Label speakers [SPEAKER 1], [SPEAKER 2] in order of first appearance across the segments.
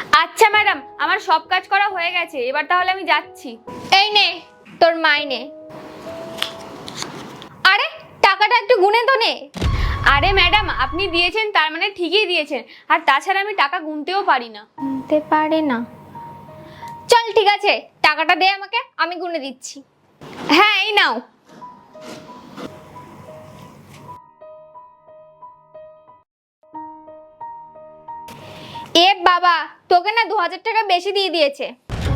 [SPEAKER 1] আচ্ছা ম্যাডাম, আমার সব কাজ করা হয়ে গেছে, এবার তাহলে আমি যাচ্ছি।
[SPEAKER 2] এই নে তোর মাইনে। আরে টাকাটা একটু গুনে তো নে।
[SPEAKER 1] আরে ম্যাডাম, আপনি দিয়েছেন তার মানে ঠিকই দিয়েছেন, আর তাছাড়া আমি টাকা গুনতেও পারি না।
[SPEAKER 2] গুনতে পারে না? চল ঠিক আছে, টাকাটা দে আমাকে, আমি গুনে দিচ্ছি।
[SPEAKER 1] হ্যাঁ, এই নাও।
[SPEAKER 2] এ বাবা, তোকে না 2000 টাকা বেশি দিয়ে দিয়েছে।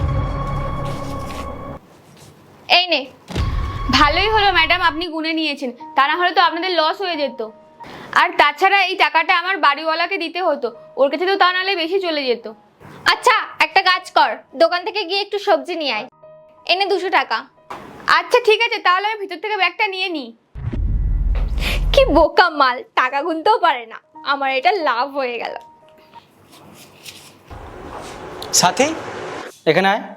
[SPEAKER 2] এই নে।
[SPEAKER 1] ভালোই হলো ম্যাডাম আপনি গুনে নিয়েছেন, তা না হলে তো আপনাদের লস হয়ে যেত। আর তাছাড়া এই টাকাটা আমার বাড়িওয়ালাকে দিতে হতো, ওর কাছে তো তা নাহলে বেশি চলে যেত।
[SPEAKER 2] আচ্ছা একটা কাজ কর, দোকান থেকে গিয়ে একটু সবজি নিয়ে আয়, এনে 200 টাকা।
[SPEAKER 1] আচ্ছা ঠিক আছে, তাহলে আমি ভিতর থেকে ব্যাগটা নিয়ে নিই।
[SPEAKER 2] কি বোকা মাল, টাকা গুনতেও পারে না। আমার এটা লাভ হয়ে গেল।
[SPEAKER 3] সাথী, এখানে আয়।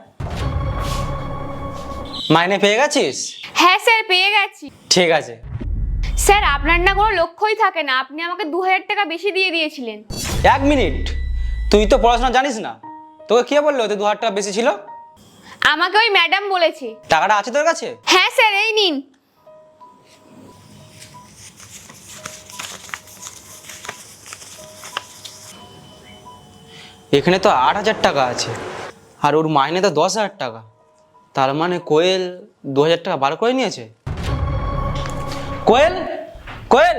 [SPEAKER 3] মাইনে পেয়ে গেছিস?
[SPEAKER 1] হ্যাঁ স্যার, পেয়ে গেছি।
[SPEAKER 3] ঠিক আছে।
[SPEAKER 1] স্যার, আপনার না কোনো লক্ষ্যই থাকে না, আপনি আমাকে 2000 টাকা বেশি দিয়ে দিয়েছিলেন।
[SPEAKER 3] 1 মিনিট, তুই তো পড়াশোনা জানিস না, তোকে কে বললো ওতে 2000 টাকা বেশি ছিল?
[SPEAKER 1] আমাকে ওই ম্যাডাম বলেছে।
[SPEAKER 3] টাকাটা আছে তোর কাছে?
[SPEAKER 1] হ্যাঁ স্যার, এই নিন।
[SPEAKER 3] এখানে তো 8,000 টাকা আছে, আর ওর মাইনে তো 10,000 টাকা। তার মানে কোয়েল 2000 টাকা বার করে নিয়েছে। কোয়েল, কোয়েল,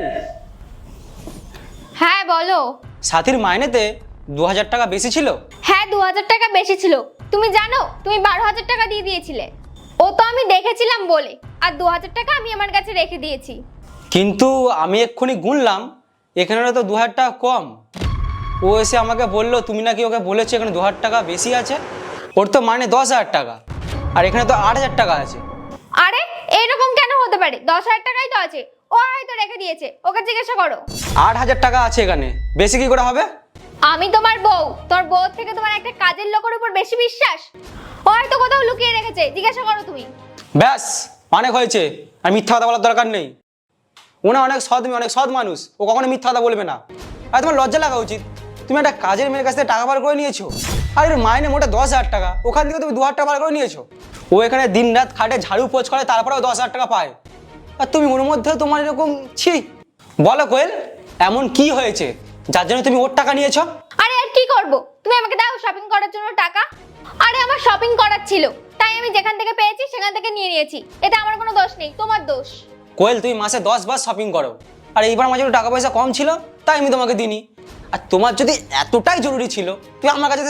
[SPEAKER 2] হ্যাঁ বলো।
[SPEAKER 3] সাথীর মাইনেতে 2000 টাকা বেশি ছিল।
[SPEAKER 2] হ্যাঁ 2000 টাকা বেশি ছিল। তুমি জানো তুমি 12,000 টাকা দিয়ে দিয়েছিলে। ও তো আমি দেখেছিলাম বলে, আর 2000 টাকা আমি আমার কাছে রেখে দিয়েছি।
[SPEAKER 3] কিন্তু আমি এক্ষুনি গুনলাম, এখানে তো 2000 টাকা কম। ও এসে আমাকে বললো তুমি নাকি ওকে বলেছো এখানে 2000 টাকা বেশি আছে। ওর তো মানে 10,000 টাকা, আর এখানে তো 8,000 টাকা আছে।
[SPEAKER 2] আরে এইরকম কেন হতে পারে? 10,000 টাকাই তো আছে, ও হয়তো রেখে দিয়েছে, ওকে জিজ্ঞাসা করো।
[SPEAKER 3] 8,000 টাকা আছে এখানে, বেশি কি করে হবে?
[SPEAKER 2] আমি তোমার বউ, তোর বউ থেকে তোমার একটা কাজের লোকের উপর বেশি বিশ্বাস? ও হয়তো কোথাও লুকিয়ে রেখেছে, জিজ্ঞাসা করো তুমি।
[SPEAKER 3] ব্যাস, অনেক হয়েছে, আর মিথ্যা কথা বলার দরকার নেই। ওনা অনেক সৎ মেয়ে, অনেক সৎ মানুষ, ও কখনো মিথ্যা কথা বলবে না। আর তোমার লজ্জা লাগা উচিত, তুমি একটা কাজের মেয়ের কাছ থেকে টাকা বার করে নিয়েছো, আর এর মাইনে মোটা 10,000 টাকা, ওখান থেকে তুমি 2,000 টাকা বার করে নিয়েছো। ও এখানে দিন রাত খাটে, ঝাড়ু পোছ করে, তারপরেও 10,000 টাকা পায়, আর তুমি ওর মধ্যেও তোমার এরকম ছি। বলো কোয়েল, এমন কি হয়েছে যার জন্য তুমি ওর টাকা নিয়েছো?
[SPEAKER 2] আরে আর কি করব, তুমি আমাকে দাও শপিং করার জন্য টাকা। আরে আমার শপিং করার ছিল, তাই আমি যেখান থেকে পেয়েছি সেখান থেকে নিয়ে নিয়েছি। এতে আমার কোনো দোষ নেই, তোমার দোষ।
[SPEAKER 3] কোয়েল, তুমি মাসে 10 বার শপিং করো, আর এইবার আমার জন্য টাকা পয়সা কম ছিল তাই আমি তোমাকে দিইনি। আর তোমার যদি এতটাই জরুরি ছিল, তুমি আমার কাছে